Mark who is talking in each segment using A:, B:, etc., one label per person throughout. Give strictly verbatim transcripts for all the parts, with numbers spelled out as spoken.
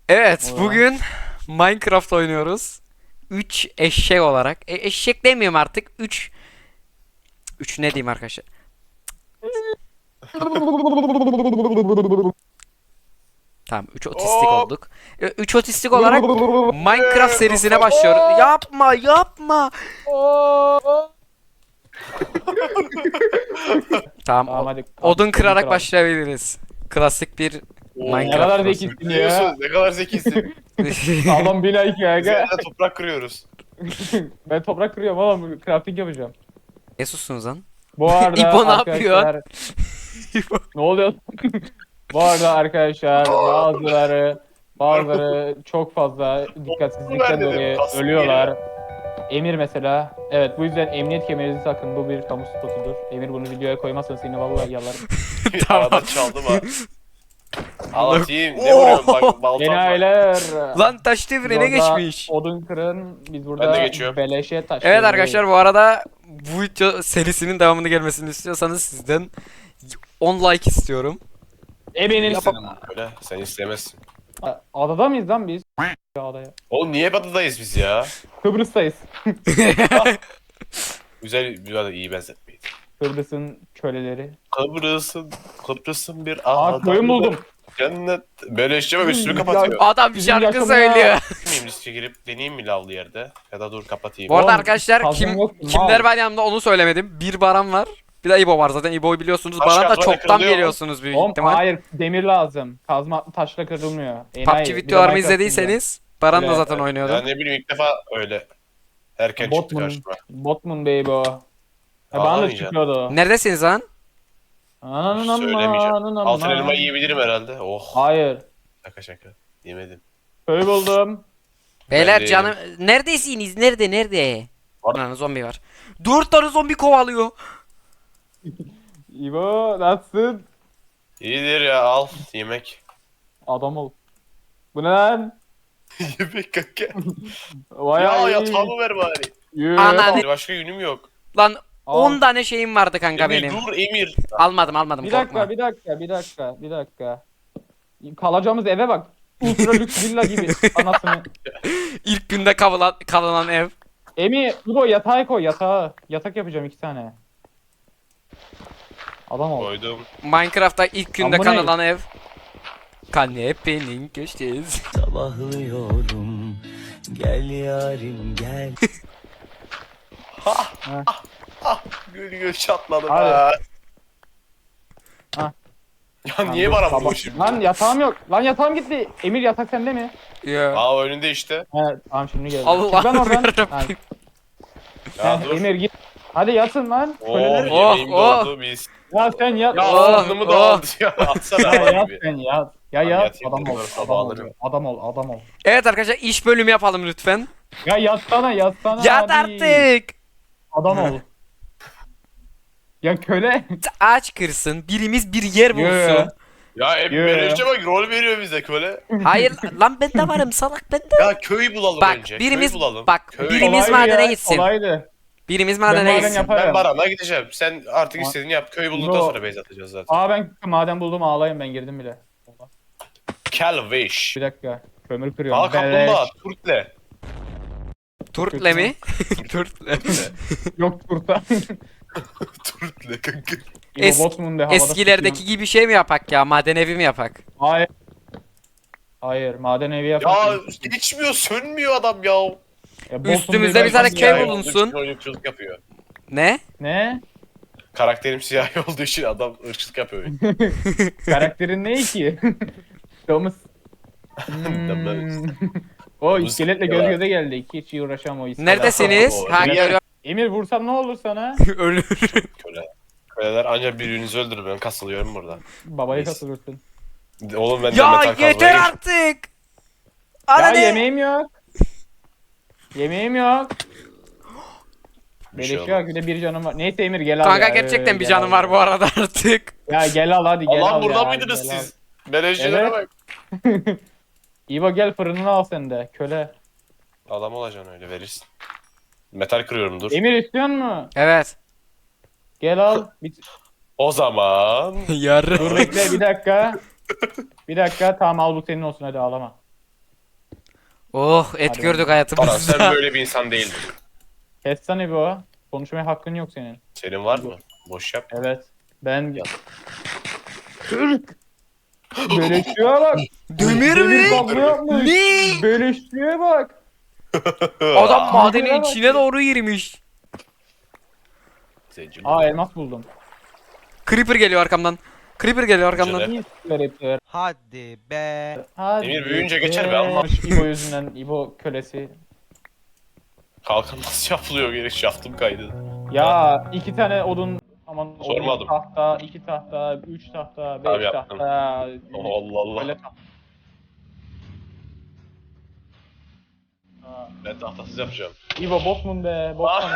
A: Evet,
B: Oha.
A: bugün Minecraft oynuyoruz. Üç eşek olarak. E, eşek demiyorum artık. Üç üç ne diyeyim arkadaşlar? Tamam, üç otistik
C: Hop.
A: olduk. E, üç otistik olarak Minecraft serisine başlıyoruz. Yapma, yapma. Tamam,
B: Tamam
A: o-
B: hadi.
A: odun kırarak
B: kıralım.
A: başlayabiliriz. Klasik bir
C: Oo,
B: Ne
A: Minecraft
B: kadar
A: burası.
B: zekisin ya.
C: Biliyorsun ne kadar zekisin.
B: Sağlam bina iki aga.
C: Üzerine toprak kırıyoruz.
B: Ben toprak kırıyorum oğlum. Crafting yapacağım.
A: Ne sussunuz lan?
B: Bu arada
A: İbo ne
B: arkadaşlar. Ne oluyor? Bu arada arkadaşlar bazıları bazıları çok fazla dikkatsizlikten dolayı ölüyorlar. Emir mesela. Evet, bu yüzden emniyet kemerinizi takın. Bu bir kamu spotudur. Emir bunu videoya koymazsan seni vallahi yalarım.
A: Tamam.
C: Arada çaldım ha. Anlatayım. Ne vuruyorsun bak baltam var.
B: Enayiler.
A: Lan taş devrine
B: Biz orada
A: geçmiş.
B: Odun kırın. Biz burada
C: Ben de geçiyorum.
B: beleşe taş
A: Evet
B: devri-
A: arkadaşlar, bu arada bu video serisinin devamını gelmesini istiyorsanız sizden on like istiyorum.
B: Ebenin
C: İstedim böyle. Sen istemezsin.
B: Adada mıyız lan biz? Adaya.
C: Oğlum niye batıdayız biz ya?
B: Kıbrıs'tayız.
C: Güzel bir arada iyi benzetmeyin.
B: Kıbrıs'ın köleleri.
C: Kıbrıs'ın Kıbrıs'ın bir
B: Aa,
C: adada.
B: koyun buldum.
C: Cennet. Böyle işte bak üstünü
B: Ya-
C: kapatıyor.
A: Adam bir
B: Bizim
A: şarkı
B: yaşamına-
A: söylüyor.
C: Miyim riske girip deneyeyim mi lavlı yerde? Ya da dur kapatayım.
A: Bu arada
B: Oğlum,
A: arkadaşlar
B: kazan
A: kim
B: yok mu?
A: kimler
B: Mal.
A: var yanımda onu söylemedim. Bir Baran var. Bir de İbo var. Zaten İbo'yu biliyorsunuz.
C: Taş
A: Baran da
C: kazmayla
A: çoktan
C: kırılıyor mu?
A: geliyorsunuz büyük
B: Oğlum
A: ihtimal.
B: hayır, demir lazım. Kazma taşla kırılmıyor.
A: P U
B: Enayi,
A: B G
B: bir de
A: videolarımı
B: Minecraft
A: izlediyseniz Baran da
B: Öyle.
A: zaten
C: Ya
A: oynuyordu.
C: ne bileyim ilk defa öyle. Erken çıktı
B: Botman.
C: karşıma.
B: Botman baby o. Ya bana da
C: Ağlamayacağım.
B: çıkıyordu.
A: Neredesiniz lan?
B: Ananın amma,
C: Söylemeyeceğim.
B: ananın amma.
C: Altın elma yiyebilirim herhalde. Oh.
B: Hayır.
C: Şaka şaka. Yemedim.
B: Köy buldum.
A: Beyler
C: de
A: canım neredesiniz? Nerede nerede?
C: Var.
A: Ana zombi var. Dört tane zombi kovalıyor.
B: İbo nasılsın?
C: İyidir ya al yemek.
B: Adam ol. Bu ne lan?
C: Yemek kanka.
B: Vay
C: Ya
B: ay.
C: yatağımı ver bari.
B: Yürü.
A: Ananı-
C: Başka günüm yok.
A: Lan
B: Al.
A: on tane şeyim vardı kanka
C: Emir
A: benim.
C: dur Emir.
A: Almadım almadım
B: Bir
A: korkma.
B: dakika, bir dakika, bir dakika, bir dakika. Kalacağımız eve bak. Ultra lüks villa gibi anasını.
A: İlk günde kalınan, kalınan ev.
B: Emi, İbo yatağa koy, yatağa. Yatak yapacağım iki tane. Adam ol.
C: Koydum.
A: Minecraft'ta ilk günde
B: Ama bu ne?
A: kalınan ev. Kanepenin köşesi.
D: Sabahlıyorum, gel yarim gel.
C: Gül gül çatladım
B: Hadi.
C: ha.
B: Ha.
C: Ya niye bana vuruyor şimdi?
B: Lan yatağım yok. Lan yatağım gitti. Emir yatak sende mi?
A: Ya.
C: Aa önünde işte.
B: Evet, tamam şimdi geldi.
A: Allah
B: Çık lan oradan.
A: yarabbim.
B: Ha,
C: Ya
B: heh,
C: dur.
B: Emir git. Hadi yatın lan.
C: Oh
B: Köleler.
A: Oh,
C: yemeğim
A: oh.
C: doldu biz.
B: Ya sen yat.
C: Ya
A: Oh,
C: ağzımı da
A: oh.
C: aldı ya. Atsana
B: Ya
C: bana
B: yat
C: gibi.
B: sen yat. Ya
C: Tamam,
B: yat.
C: yatayım,
B: Adam ol.
C: bunları sabah
B: Adam ol.
C: alırım.
B: Adam ol. Adam ol.
A: Evet arkadaşlar iş bölümü yapalım lütfen.
B: Ya yatsana yatsana.
A: Yat
B: hadi.
A: artık.
B: Adam ol. Ya köle.
A: Ağaç kırsın. Birimiz bir yer
B: Yürü.
A: bulsun.
C: Ya hep
B: Yo.
C: böyle işte bak rol veriyor bize köle.
A: Hayır lan ben de varım salak ben de.
C: Ya köy bulalım
A: Bak
C: önce.
A: birimiz
C: köy bulalım.
A: bak
C: Köy.
A: birimiz
B: Kolaydı
A: madene
B: ya,
A: gitsin.
B: Kolaydı.
A: Birimiz
B: Ben
A: madene
B: maden
A: gitsin.
B: yaparım.
C: Ben Baran'a gideceğim. Sen artık
B: Ma-
C: istediğini yap. Köy bulduktan
B: Yo.
C: sonra base atacağız zaten.
B: Aa ben maden buldum ağlayayım ben girdim bile.
C: Calvish.
B: Bir dakika. Kömür kırıyorum.
C: Aa kaplumbağa.
B: Beleş.
C: Turtle.
A: Turtle mi? Turtle.
C: Turtle.
B: Yok turta.
C: Turtle kanka.
A: Es-
B: Botman de havada
A: Eskilerdeki
B: tutuyor.
A: gibi şey mi yapak ya? Maden evi mi yapak?
B: Hayır. Hayır maden evi
C: Ya
B: yapalım.
C: geçmiyor sönmüyor adam ya.
B: Ya, Botman
A: üstümüzde
B: Bey
A: bir tane
B: başlasın
A: köy
B: ya.
A: bulunsun.
C: Oyunculuk yapıyor.
A: Ne?
B: Ne?
C: Karakterim siyahi olduğu için adam ırkçılık yapıyor.
B: Karakterin ne ki? Domuz.
C: Domuz.
B: Hmm. O
C: Domuz
B: iskeletle göz
C: diyorlar.
B: göze geldik. Hiç uğraşamam o iskelet.
A: Neredesiniz?
C: O-
A: Ha
C: Niye?
A: görüyorum.
B: Emir vursam ne olur sana?
A: Ölür.
C: Köle. Köleler ancak birbirinizi öldürür. Ben kasılıyorum burada.
B: Babayı
C: Neyse.
B: katılırsın.
C: Oğlum ben de
A: Ya
C: metal
A: yeter
C: kazmaya
A: artık.
B: Ya
A: Ana ne?
B: yemeğim yok. Yemeğim yok.
C: Bir şey
B: Beleş yok bir de bir canım var. Neyse Emir gel al
A: Kanka
B: ya.
A: gerçekten
B: Ee,
A: bir
B: gel
A: canım
B: al
A: var
B: ya.
A: bu arada artık.
B: Ya gel al hadi gel
C: Allah
B: al
C: burada
B: ya,
C: mıydınız
B: gel al.
C: siz? Melejcilere
B: Evet.
C: bak.
B: İbo gel fırınını al sen de köle.
C: Adam olacaksın öyle verirsin. Metal kırıyorum dur.
B: Emir istiyor mu?
A: Evet.
B: Gel al. Bir...
C: O zaman
B: Dur
A: Yarın.
B: bekle bir dakika. Bir dakika tamam al bu senin olsun hadi ağlama.
A: Oh et
B: Hadi
A: gördük
C: Baran
A: hayatımızda.
C: sen böyle bir insan değildin.
B: Kessene bu. Konuşmaya hakkın yok senin.
C: Senin var mı? Boş yap.
B: Evet. Ben...
C: Ya.
B: Türk! Beleşçiye bak.
A: Demir mi?
B: kablo yapmış.
A: Ne?
B: Beleşçiye bak.
A: Adam
B: Aa,
A: madenin
B: demire bak.
A: içine doğru girmiş.
C: Zenci
B: Aa elmas buldum.
A: Creeper geliyor arkamdan. Creeper geliyor arkamdan.
C: Güzel.
B: İyi garipler.
E: Hadi be.
B: Hadi
C: Emir büyüyünce geçer be, Allah.
B: İbo yüzünden, İbo kölesi.
C: Kalkan nasıl yapılıyor geri şaftım kaydı.
B: Ya iki tane odun, aman odun,
C: Sormadım.
B: tahta, iki tahta, üç tahta,
C: Tamam,
B: beş
C: yaptım.
B: tahta.
C: Allah Allah.
B: Böyle tahta.
C: Ben tahtasız yapacağım.
B: İbo bokmun be, bokmun.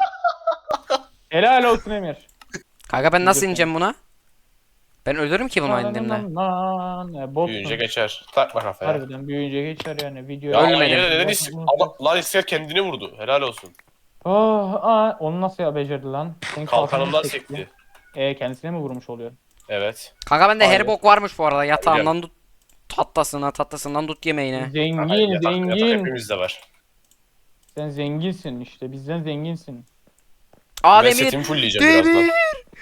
B: Helal olsun Emir.
A: Kanka ben nasıl ineceğim buna? Ben ölürüm ki bunu indiğimde.
B: Nan, nan, nan, boksun.
C: Büyüyünce geçer. Takma kafaya.
B: Harbiden büyüyünce geçer yani video.
C: Ya
A: Ölmedim.
C: yine neden is- Ama lan ister kendini vurdu. Helal olsun.
B: Oh, aa, onu nasıl ya becerdi lan? Senin
C: Kalkanımdan
B: kalkanını
C: sekti.
B: E kendisine mi vurmuş oluyor?
C: Evet.
A: Kanka bende her
B: Aynen.
A: bok varmış bu arada. Yatağından tut tattasına, tattasından tut yemeğine.
B: Zengin,
C: Yatak- yatak
B: zengin.
C: hepimizde var.
B: Sen zenginsin işte, bizden zenginsin.
A: Aa
C: Ben
A: demir.
C: setimi fullleyeceğim birazdan.
A: Demir.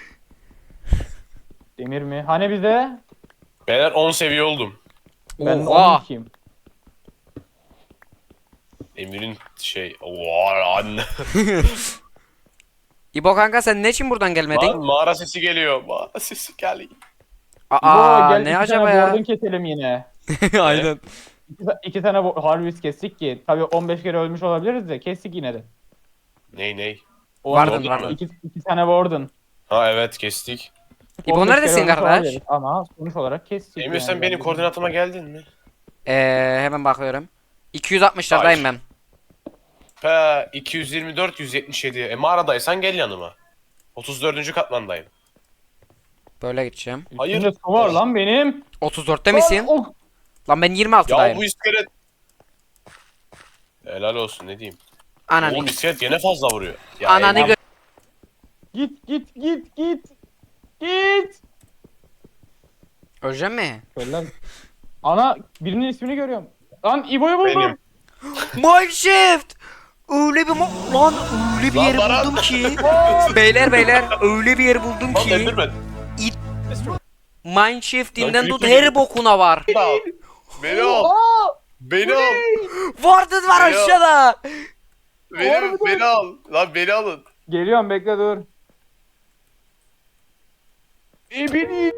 B: Demir mi? Hani bize?
C: Beyler on seviye oldum.
B: Ben
A: Oha.
B: on ikiyim.
C: Emir'in şey... Oha anne.
A: İbo kanka sen ne için buradan gelmedin?
C: Lan mağara sesi geliyor. Mağara sesi geliyor.
A: Aa
B: İbo, gel
A: ne
B: iki
A: acaba
B: tane
A: ya?
B: board'un keselim yine.
A: Aynen.
B: İki, ta- iki tane bo- harvest kestik ki. Tabii on beş kere ölmüş olabiliriz de kestik yine de.
C: Ney ney?
B: O
A: Vardın,
B: iki,
A: vardın.
B: iki, iki tane board'un.
C: Ha evet kestik.
A: İbo
B: on beş
A: neredesin
B: kere ölmüş
A: kardeş?
B: olabiliriz Ama sonuç olarak kestik.
C: Emir
B: yani.
C: sen benim koordinatıma geldin mi?
A: Ee, hemen bakıyorum. iki yüz altmışlardayım ben.
C: Pe iki yüz yirmi dört yüz yetmiş yedi. E mağaradaysan gel yanıma. otuz dördüncü katmandayım.
A: Böyle gideceğim.
C: Hayır.
B: Üstümde su var lan benim.
A: otuz dörtte misin?
B: Lan, o-
A: Lan ben yirmi
C: Ya
A: altıdayım.
C: bu iskelet. Helal olsun ne diyeyim.
A: Ananı.
C: Oğlum iskelet gene fazla vuruyor. Ya
A: Ananı
C: Emir,
A: gö-
B: Git git git git. Git.
A: Öleceğim mi?
B: Şöyle lan. Ana birinin ismini görüyorum. Lan İbo'yu buldum.
C: Benim.
A: Mineshaft! Öyle bir mo- lan öyle bir
C: Lan
A: yer
C: Baran.
A: buldum ki. beyler beyler öyle bir yer buldum
C: Lan
A: ki.
C: Enderman.
A: Mineshaft'inden
C: Lan
A: tut
C: Creeper
A: her bokuna var.
C: Beni al. Beni al.
B: Aa!
C: Beni al.
A: Warden var
C: Ya.
A: aşağıda.
C: Beni, beni al. Lan beni alın.
B: Geliyorum bekle dur. E beni.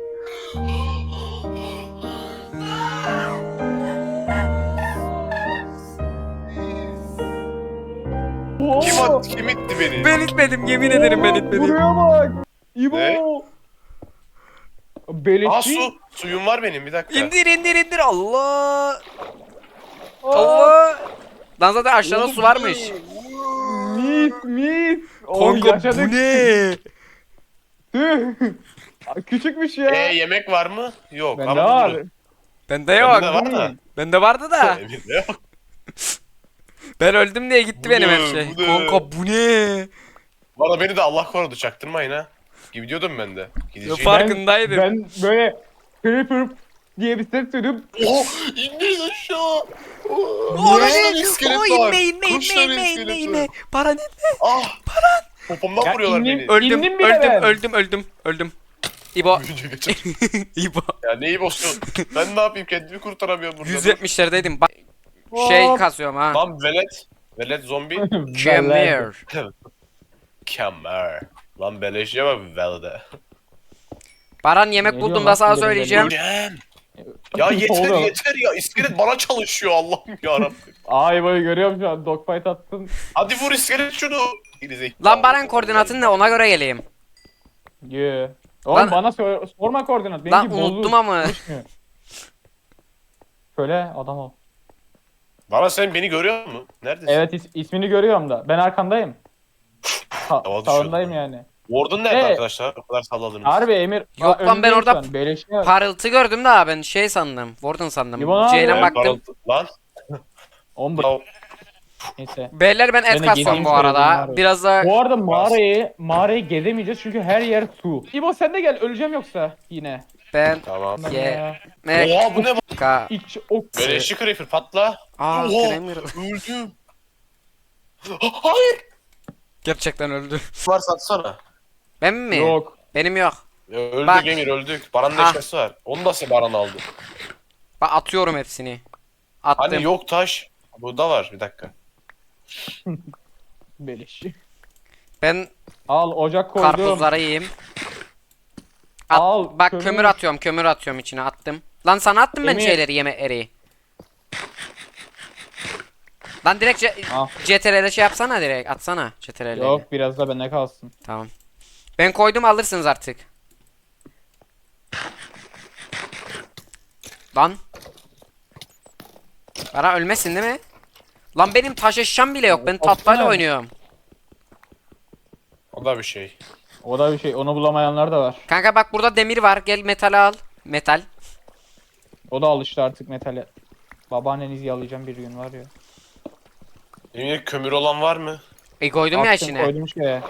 C: Kim attı? Kim itti beni?
A: Ben itmedim yemin ederim ben itmedim.
B: Buraya bak. İbo.
C: Ne?
B: Beleşçi.
C: Aa su. Suyum var benim bir dakika.
A: İndir indir indir Allah.
B: Aa,
A: Allah. Lan zaten aşağıda su varmış.
B: Mis mis. Oğlum
A: Kanka
B: yaşadık.
A: bu ne?
B: Tüh. Küçükmüş ya.
C: E yemek var mı? Yok.
B: Bende
C: ama
B: var.
C: durun.
A: Bende yok.
C: Bende var da.
A: Bende vardı da.
C: Elimde yok.
A: Ben öldüm diye gitti
C: Bu
A: benim
C: ne,
A: her şey.
C: bu ne?
A: Kanka bu ne?
C: Valla beni de Allah korudu çaktırmayın ha. Gidiyordum ben de. Gideceğim.
A: Fark- farkındaydım.
B: Ben, ben böyle Creeper diye bir ses duydum.
C: Oh! İnmeyin aşağı!
A: O
C: Oh,
A: ne?
C: kaç tane iskelet
A: O
C: var?
A: inme inme
C: Kaç
A: inme
C: tane
A: inme
C: iskelet
A: inme
C: var?
A: inme. Para ne?
C: Ah! Popomdan
B: Ya
C: vuruyorlar
B: indim-
C: beni.
A: Öldüm
B: İndim bile
A: öldüm
B: ben.
A: öldüm öldüm öldüm. İbo.
C: Büyüyünce geçer.
A: İbo.
C: Ya neyi bozuyorsun? Ben ne yapayım kendimi kurtaramıyorum burada.
A: yüz yetmişlerdeydim. Bak şey
B: Hop.
A: kasıyorum ha.
C: Lan velet. Velet zombi.
A: Kemir.
C: Kemer. Lan beleşe bak velede.
A: Baran yemek
B: Ne
A: buldum
B: diyorsun
A: da
B: lan
A: sana
B: şimdi
A: söyleyeceğim.
C: Ulan! Ya yeter
B: Oğlum.
C: yeter ya. İskelet bana çalışıyor Allah'ım yarabbim.
B: Ay böyle görüyorum şu an dogfight attın.
C: Hadi vur iskelet şunu. Gerizekalı.
A: Lan Baran koordinatın ne ona göre geleyim.
B: Yeah. Oğlum
A: Lan-
B: bana sor, sorma koordinat.
A: Lan
B: Benimki bozuk.
A: unuttum ama.
B: Çalışmıyor. Şöyle adam ol.
C: Bana sen beni görüyor musun? Neredesin?
B: Evet is- ismini görüyorum da. Ben arkandayım.
C: Hava
B: Ta-
C: düşüyordu
B: sağındayım
C: lan.
B: yani.
C: Warden nerede
B: Ee,
C: arkadaşlar? O kadar salladınız.
B: Harbi Emir.
A: Yok
B: Aa,
A: lan, ben
B: önündeyim
A: orada-
B: şu an. Beleşe bak.
A: Parıltı gördüm da ben şey sandım. Warden sandım.
B: İbo ne
A: C'yle
B: yapıyor?
C: Ee,
A: baktım.
C: parıltı- Lan.
B: On bu.
C: Ya,
B: Neyse.
A: Beyler ben
B: Ben
A: et
B: de
A: kassam
B: gezeyim
A: bu
B: söyledim
A: arada.
B: abi.
A: Biraz da
B: Bu arada mağarayı, mağarayı gezemeyeceğiz çünkü her yer su. İbo sen de gel öleceğim yoksa yine.
A: Ben
C: Tamam.
A: Ye-
B: Ya.
A: Mek
C: Oha bu ne?
A: Ka
B: İç ok.
C: Beleşçi Creeper patla.
A: Aa,
C: Oha!
A: Kramer
C: Öldüm. Ha- Hayır.
A: gerçekten öldü.
C: Var satsana.
A: Ben mi?
B: Yok.
A: Benim yok.
C: Ya öldük
A: Bak.
C: Emir öldük. Baran'ın
A: Ah.
C: eşyası var. Onu da Baran aldı.
A: Bak atıyorum hepsini. Attım.
C: Hani yok taş. Burada var bir dakika.
B: Beleş.
A: Ben
B: Al ocak koydum.
A: karpuzları yiyeyim. At-
B: Al,
A: bak
B: kömür.
A: kömür. atıyorum, kömür atıyorum içine attım. Lan sana attım ben
B: Emir.
A: şeyleri, yemekleri. Lan direkt C-
B: Al.
A: C T R L şey yapsana, direkt atsana C T R L'yi.
B: Yok biraz da bende kalsın.
A: Tamam. Ben koydum, alırsınız artık. Lan. Bana ölmesin değil mi? Lan benim taş eşyam bile yok. Ben
B: Baksana.
A: tahtayla oynuyorum.
C: O da bir şey.
B: O da bir şey. Onu bulamayanlar da var.
A: Kanka bak burada demir var. Gel metal al. Metal.
B: O da alıştı artık metale. Babaannenizi yalayacağım bir gün var ya.
C: Emir kömür olan var mı?
A: E koydum ya
B: Attım,
A: içine.
B: koydum şeye.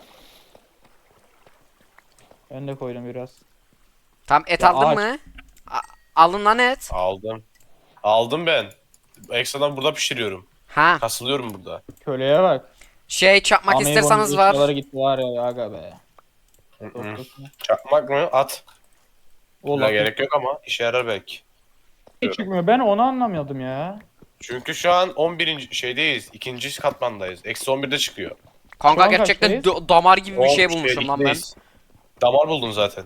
B: Ben de koydum biraz.
A: Tamam, et
B: Ya
A: aldın
B: ağaç.
A: mı? A- alın lan et.
C: Aldım. Aldım ben. Ekstradan burada pişiriyorum.
A: Ha.
C: Kasılıyorum burada.
B: Köleye bak.
A: Şey çakmak
B: Ameybo'nun
A: isterseniz
B: eşyaları
A: var.
B: gitti var ya aga be.
C: Hı hı.
B: Korkuyorsun.
C: Çakmak mı? At.
B: Oğlum
C: Buna gerek yok ama işe yarar belki.
B: hiç çıkmıyor. Ben onu anlamıyordum ya.
C: Çünkü şu an on birinci şeydeyiz. ikinci katmandayız. Eksi on birde çıkıyor.
A: Kanka
B: Şu an
A: gerçekten
B: kaçtayız?
A: do- damar gibi bir
C: On
A: şey bulmuşum lan ben.
C: ikideyiz. Damar buldun zaten.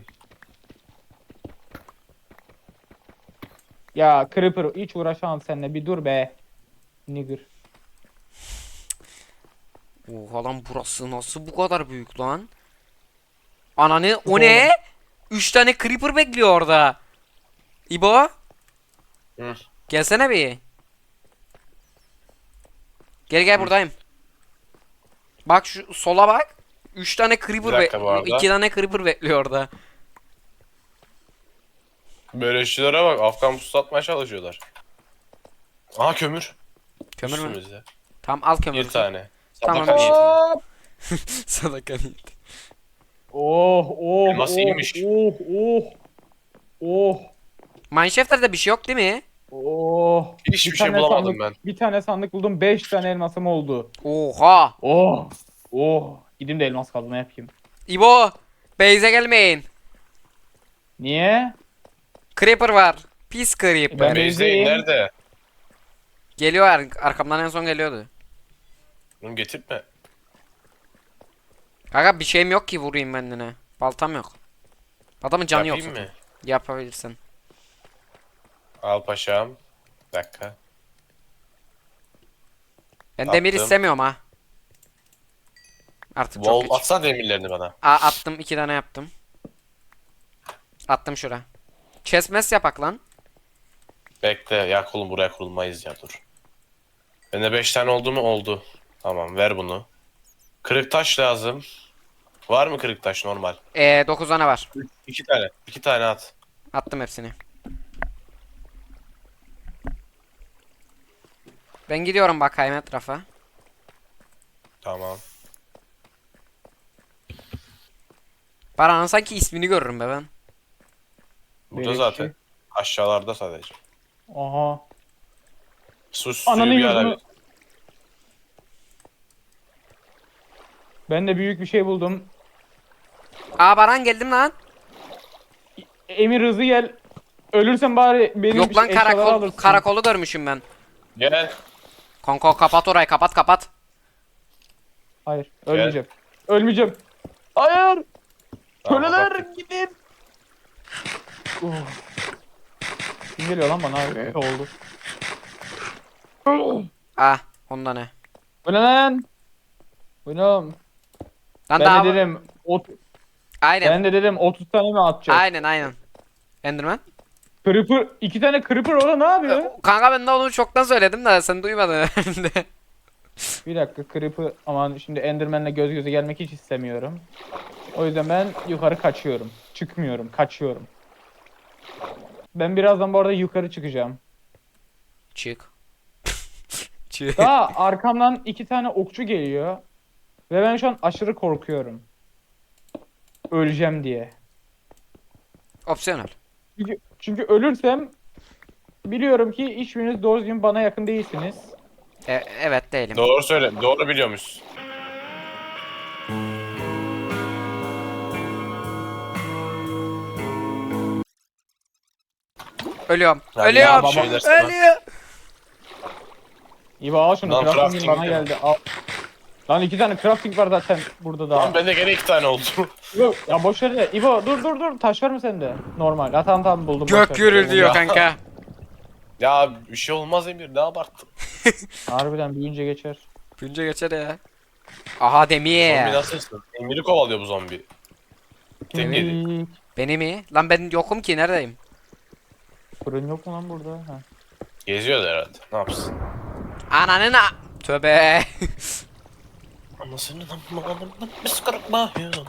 B: Ya Creeper hiç uğraşamam seninle bir dur be. Nigger.
A: Oha lan, burası nasıl bu kadar büyük lan? Ananı, o ne? Üç tane creeper bekliyor orada. İbo,
C: Hı.
A: gelsene bir. Gel gel, buradayım. Bak şu sola bak. Üç tane
C: Bir
A: creeper
C: dakika bu
A: be-
C: arada.
A: iki tane creeper bekliyor orada.
C: Böyle işçilere bak. Afgan pusu atmaya çalışıyorlar. Aha kömür.
A: Kömür mü?
C: Üstümüzde.
A: Tamam, al kömür.
C: Bir tane.
A: Tamam.
C: Sadaka niyetine.
A: Sadaka niyeti.
B: Oh oh
C: Elmas
B: oh,
C: iyiymiş.
B: oh oh oh
A: Mineshaft'ta bir şey yok değil mi?
B: oh.
C: Hiçbir
B: Bir
C: şey
B: tane
C: bulamadım
B: sandık-
C: ben.
B: Bir tane sandık buldum. Beş tane elmasım oldu.
A: Oha.
B: Oh oh. Gideyim de elmas kazma yapayım.
A: İbo, base'e gelmeyin.
B: Niye?
A: Creeper var. Pis creeper.
B: Ben-
C: Beyzeyn
B: Beyzeyn-
C: nerede?
A: Geliyor, ar- arkamdan en son geliyordu.
C: Bunu getirtme.
A: Kanka bir şeyim yok ki vurayım kendine. Baltam yok. Adamın canı yok.
C: Yapayım
A: zaten.
C: mı?
A: Yapabilirsin.
C: Al paşam. Bir dakika.
A: Ben demir
C: Attım.
A: istemiyorum ha. Artık çok
C: Wall
A: geç.
C: atsana demirlerini bana.
A: Aa, attım, iki tane yaptım. Attım şura. Chestmes yapak lan.
C: Bekle ya oğlum buraya kurulmayız ya dur. Bende beş tane oldu mu? Oldu. Tamam ver bunu. Kırık taş lazım. Var mı kırık taş normal?
A: Ee, dokuz tane var.
C: İki tane. İki tane at.
A: Attım hepsini. Ben gidiyorum bakayım etrafa.
C: Tamam.
A: Baran'ın sanki ismini görürüm be ben.
C: Burada
B: Beleşçi.
C: zaten. Aşağılarda sadece.
B: Aha.
C: Su suyu
B: Ananın
C: bir ara.
B: yüzünü. Ben de büyük bir şey buldum.
A: Aa, Baran geldim lan.
B: Emir hızlı gel. Ölürsen bari benim
A: Yok lan,
B: eşyaları
A: karakol,
B: alırsın.
A: karakolu görmüşüm ben.
C: Gel.
A: Konko kapat orayı, kapat kapat.
B: Hayır, ölmeyeceğim. Ölmeyeceğim. Hayır.
C: Tamam,
B: Köleler
C: kapattık.
B: gidin. Oh. Kim geliyor lan bana? Ne oldu?
A: Ah, onda ne?
B: Bu ne lan? Bu ne oğlum?
A: Lan
B: Ben
A: daha...
B: de dedim, ot,
A: Aynen.
B: ben de dedim otuz tane mi atacağız?
A: Aynen aynen. Enderman.
B: Creeper, iki tane Creeper orada ne yapıyor?
A: Kanka ben de onu çoktan söyledim de sen duymadın herhalde.
B: Bir dakika Creeper, aman şimdi Enderman'le göz göze gelmek hiç istemiyorum. O yüzden ben yukarı kaçıyorum. Çıkmıyorum, kaçıyorum. Ben birazdan bu arada yukarı çıkacağım.
A: Çık. Çık.
B: Daha arkamdan iki tane okçu geliyor. Ve ben şu an aşırı korkuyorum. Öleceğim diye.
A: Opsiyonel.
B: Çünkü, çünkü ölürsem biliyorum ki hiçbiriniz doğru düzgün bana yakın değilsiniz.
A: E, evet değilim.
C: Doğru söyle. Doğru biliyormuş.
A: Ölüyorum.
C: Ya
A: Ölüyorum.
C: ya, şeyler sana.
A: Ölüyorum.
B: İbo al şunu.
C: Lan
B: Crafting'in
C: crafting
B: bana
C: diyor.
B: geldi. Al. Lan iki tane crafting var zaten burada da.
C: Lan bende gene iki tane oldu.
B: İbo, ya boş ver de. İbo dur dur dur. Taş var mı sende? Normal. Ha tamam tamam buldum. boş ver.
A: Gök gürülüyor
C: Ya.
A: kanka.
C: Ya bir şey olmaz Emir, ne abarttın?
B: Harbiden büyüyünce geçer.
A: Günce geçer ya. Aha
C: Zombi
A: demir.
C: nasılsın? Emir'i kovalıyor bu zombi. Tek yedi.
B: Kemik.
A: Beni mi? Lan ben yokum ki neredeyim?
B: Fırın yok mu lan burada? Ha.
C: Geziyordu herhalde. Ne yapsın?
A: Ananın a... Tövbe.
C: Anasını namlanım biz kırıkma.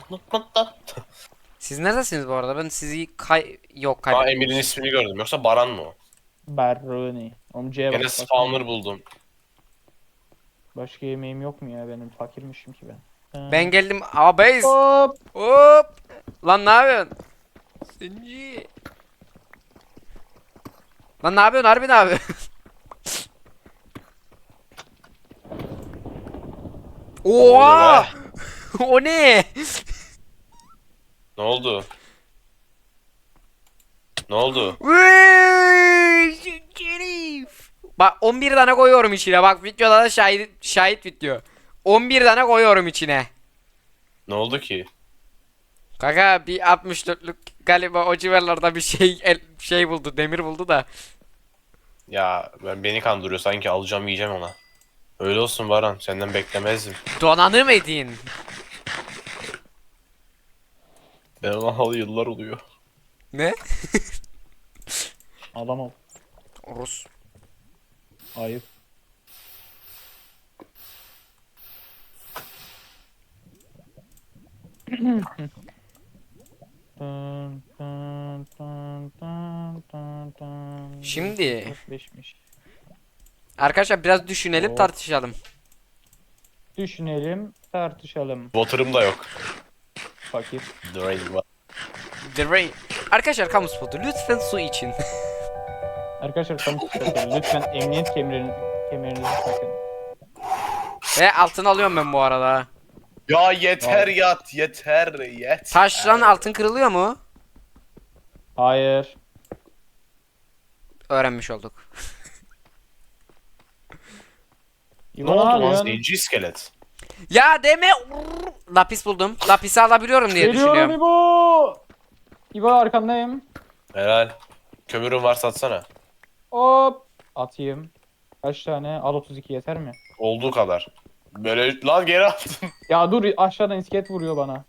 A: Siz neredesiniz bu arada? Ben sizi kay... Yok
C: Aa,
A: kaybettim.
C: Emir'in ismini gördüm. Yoksa Baran mı o?
B: Baroni. Oğlum C'ye bak.
C: Gene
B: Başka-
C: spawner buldum.
B: Başka yemeğim yok mu ya benim? Fakirmişim ki ben. Ha.
A: Ben geldim. Abeyiz.
B: Hop.
A: Hop. Lan ne yapıyorsun? Sinci. Lan ne yapıyorsun harbi ne yapıyorsun? Oha! O ne?
C: Ne oldu? Ne oldu?
A: Vıy, Şerif. Bak on bir tane koyuyorum içine. Bak videoda da şahit şahit video. on bir tane koyuyorum içine.
C: Ne oldu ki?
A: Kanka bir altmış dörtlük galiba o civarlarda bir şey el, şey buldu, demir buldu da.
C: Ya ben beni kandırıyor, sanki alacağım yiyeceğim ona. Öyle olsun Baran, senden beklemezdim.
A: Donanım edin.
C: Ben ona halı yıllar oluyor.
A: Ne?
B: Adam ol.
A: Rus.
B: Ayıp. Dın, dın, dın, dın, dın, dın.
A: Şimdi-
B: dört beşmiş.
A: Arkadaşlar biraz düşünelim
B: Oh.
A: tartışalım.
B: Düşünelim, tartışalım.
C: Water'ım da yok.
B: Fakir.
C: Drain var.
A: The Rain. Arkadaşlar kamu spotu lütfen su için.
B: Arkadaşlar kamu spotu. Lütfen emniyet kemerini, kemerinizi takın.
A: Ve altın alıyorum ben bu arada.
C: Ya yeter yat, yeter, yeter.
A: Taşlan altın kırılıyor mu?
B: Hayır.
A: Öğrenmiş olduk.
C: Ne
B: İbo,
C: oldu lan,
B: yapıyorsun?
C: zenci iskelet?
A: Ya deme. Lapis buldum. Lapisi alabiliyorum diye
B: Geliyorum
A: düşünüyorum.
B: İbo. İbo arkandayım.
C: Helal. Kömürün varsa atsana.
B: Hop. Atayım. Kaç tane? Al otuz iki yeter mi?
C: Olduğu kadar. Böyle lan geri attım.
B: Ya dur aşağıdan iskelet vuruyor bana.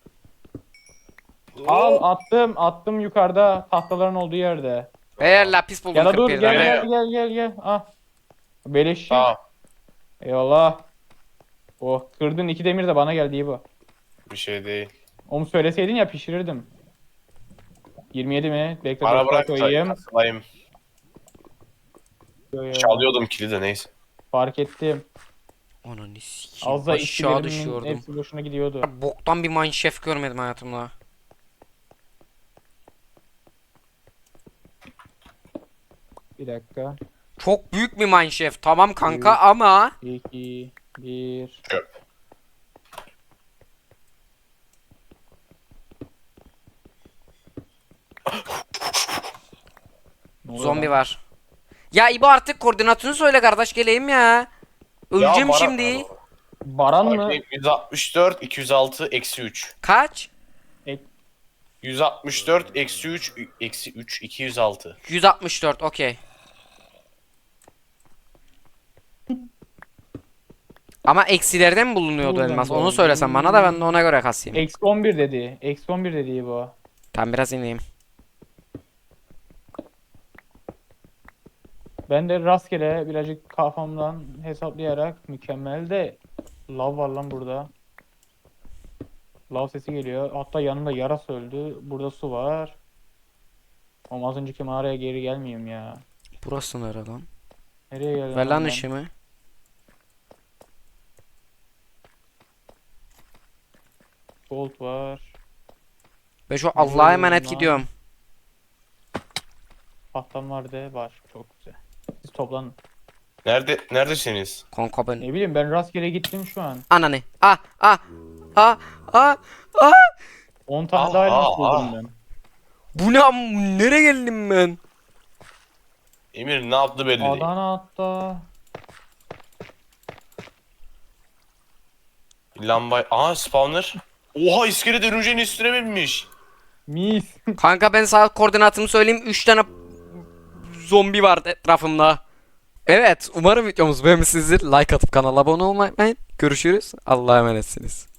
B: Al attım attım yukarıda tahtaların olduğu yerde.
A: Eğer lapis buldum
B: Ya da dur
A: kırk bir
B: gel
A: tane.
B: gel gel gel gel. Ah. Beleşçi.
C: Tamam.
B: Eyvallah. Oh kırdın iki demir de bana geldi iyi bu.
C: Bir şey değil.
B: Onu söyleseydin ya pişirirdim. yirmi yedi mi? Bekle
C: Bana
B: dur,
C: bırak
B: koyayım.
C: da kasılayım.
B: Yo, yo.
C: Çalıyordum kilidi, neyse.
B: Fark ettim.
A: Ananı sikeyim.
B: Az da
A: Aşağı
B: işçilerimin
A: düşüyordum.
B: hepsi boşuna gidiyordu.
A: Boktan bir mineshaft görmedim hayatımda.
B: Bir dakika.
A: Çok büyük bir mineshaft. Tamam kanka ama
B: iki, bir.
C: Çöp.
B: Ne oluyor
A: zombi
B: lan?
A: var. Ya İbo artık koordinatını söyle kardeş geleyim ya. Öleceğim
C: Ya Baran-
A: şimdi.
B: Baran mı?
C: yüz altmış dört, iki yüz altı, eksi üç.
A: Kaç?
C: yüz altmış dört, eksi üç, eksi üç, iki yüz altı.
A: yüz altmış dört okey. Ama eksilerden mi bulunuyordu
B: Buradan
A: elmas? Onu
B: doğru.
A: söylesen bana da ben de ona göre kasayım.
B: Eksi on bir dedi. Eksi on bir dedi bu.
A: Tam biraz ineyim.
B: Ben de rastgele birazcık kafamdan hesaplayarak mükemmel de lav var lan burada. Lav sesi geliyor. Hatta yanımda yarası öldü. Burada su var. Ama az önceki mağaraya geri gelmeyeyim ya.
A: Burası nere lan?
B: Nereye geldim?
A: Ver lan
B: ben?
A: ışığımı.
B: Gold var.
A: Ben şu
B: Nereye
A: Allah'a emanet
B: geldim lan?
A: gidiyorum.
B: Tahtam var de var. Çok güzel. Siz toplanın.
C: Nerede neredesiniz?
A: Kanka ben.
B: Ne bileyim ben rastgele gittim şu an.
A: Ananı. Ah ah ah ah ah.
B: on tane
C: Ah,
B: daha elmas
C: ah,
B: buldum
C: ah.
B: ben.
A: Bu ne am- nereye geldim ben?
C: Emir ne yaptı belli değil.
B: Adana hatta.
C: Lamba... Aha spawner. Oha iskelet örümceğin üstüne binmiş.
B: Mis.
A: Kanka ben sağ koordinatımı söyleyeyim. üç tane zombi var etrafımda. Evet, umarım videomuz beğenmişsinizdir. Like atıp kanala abone olmayı unutmayın. Görüşürüz. Allah'a emanetsiniz.